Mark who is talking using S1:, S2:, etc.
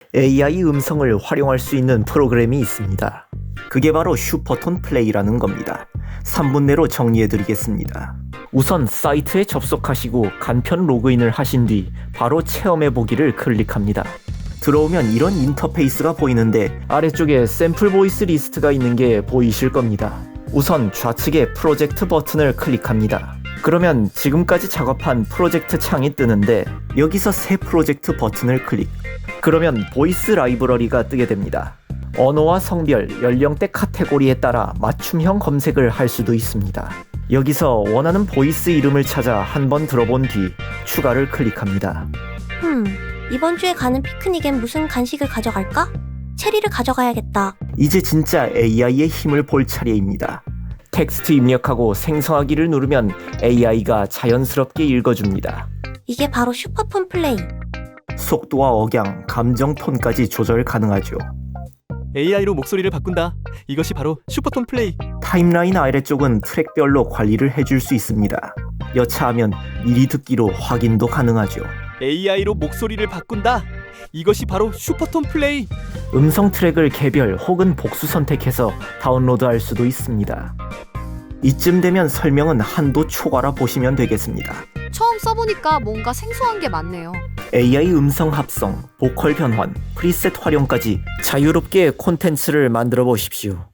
S1: AI 음성을 활용할 수 있는 프로그램이 있습니다. 그게 바로 슈퍼톤 플레이라는 겁니다. 3분 내로 정리해드리겠습니다. 우선 사이트에 접속하시고 간편 로그인을 하신 뒤 바로 체험해보기를 클릭합니다. 들어오면 이런 인터페이스가 보이는데 아래쪽에 샘플 보이스 리스트가 있는 게 보이실 겁니다. 우선 좌측에 프로젝트 버튼을 클릭합니다. 그러면 지금까지 작업한 프로젝트 창이 뜨는데 여기서 새 프로젝트 버튼을 클릭. 그러면 보이스 라이브러리가 뜨게 됩니다. 언어와 성별, 연령대 카테고리에 따라 맞춤형 검색을 할 수도 있습니다. 여기서 원하는 보이스 이름을 찾아 한번 들어본 뒤 추가를 클릭합니다.
S2: 이번 주에 가는 피크닉엔 무슨 간식을 가져갈까? 체리를 가져가야겠다.
S1: 이제 진짜 AI의 힘을 볼 차례입니다. 텍스트 입력하고 생성하기를 누르면 AI가 자연스럽게 읽어줍니다.
S2: 이게 바로 슈퍼톤 플레이.
S1: 속도와 억양, 감정 톤까지 조절 가능하죠.
S3: AI로 목소리를 바꾼다. 이것이 바로 슈퍼톤 플레이.
S1: 타임라인 아래쪽은 트랙별로 관리를 해줄 수 있습니다. 여차하면 미리 듣기로 확인도 가능하죠.
S3: AI로 목소리를 바꾼다. 이것이 바로 슈퍼톤 플레이.
S1: 음성 트랙을 개별 혹은 복수 선택해서 다운로드할 수도 있습니다. 이쯤 되면 설명은 한도 초과라 보시면 되겠습니다.
S4: 처음 써보니까 뭔가 생소한 게 많네요.
S1: AI 음성 합성, 보컬 변환, 프리셋 활용까지 자유롭게 콘텐츠를 만들어 보십시오.